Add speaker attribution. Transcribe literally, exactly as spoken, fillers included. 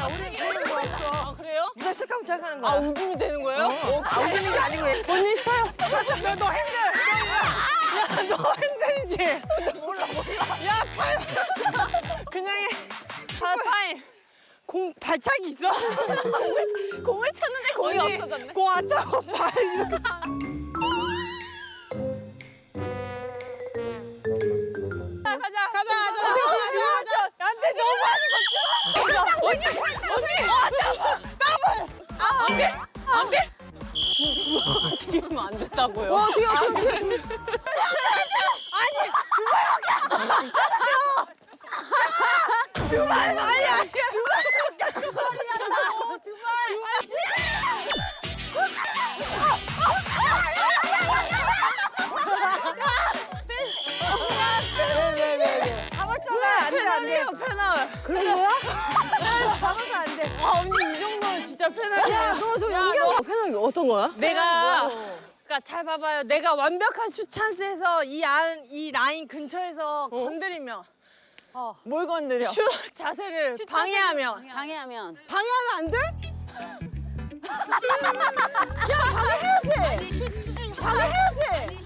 Speaker 1: 아니야. 우리 되는 거 없어.
Speaker 2: 아, 그래요?
Speaker 1: 네가 시작하면 시작하는 거야.
Speaker 2: 아, 우금이 되는 거예요? 어,
Speaker 1: 아, 우리는 게 아니고. 언니 쳐요. 다시 너, 너 핸들. 야, 너 핸들이지?
Speaker 2: 몰라, 몰라.
Speaker 1: 야, 팔. 그냥 해.
Speaker 2: 파파임.
Speaker 1: 공 발차기 있어?
Speaker 2: 공을 찼는데 공이
Speaker 1: 언니,
Speaker 2: 없어졌네.
Speaker 1: 공 안 차고 발 이렇게 차. 가자, 가자, 가자, 가자. 안 돼, 너무 많이 걷지 마.
Speaker 2: 언니, 언니. 아, 더블. 아, 안 돼, 안 돼. 어떻게 하면 안 된다고요?
Speaker 1: 어떻게, 어떻게, 어떻게.
Speaker 2: 아니, 두 발밖에 안 됐잖아요.
Speaker 1: 두 발, 아니, 아니. 두 발밖에 두 발이라고. 두 발. 왜, 왜, 왜, 왜. 잡았잖아. 안 돼, 안 돼.
Speaker 2: 페널이에요, 페널.
Speaker 1: 그런 거야? 잡아서 안 돼.
Speaker 2: 아, 언니 이 정도는 진짜 페널이야.
Speaker 1: 야, 너 저 연기한 패널이 어떤 거야?
Speaker 2: 내가 그러니까 잘 봐봐요. 내가 완벽한 슛 찬스에서 이 안 이 라인 근처에서 건드리면
Speaker 1: 뭘 건드려?
Speaker 2: 슛 자세를 방해하면
Speaker 3: 방해하면.
Speaker 1: 방해하면 안 돼? 야, 방해해야지.
Speaker 3: 아니 슛 슛을
Speaker 1: 방해해야지.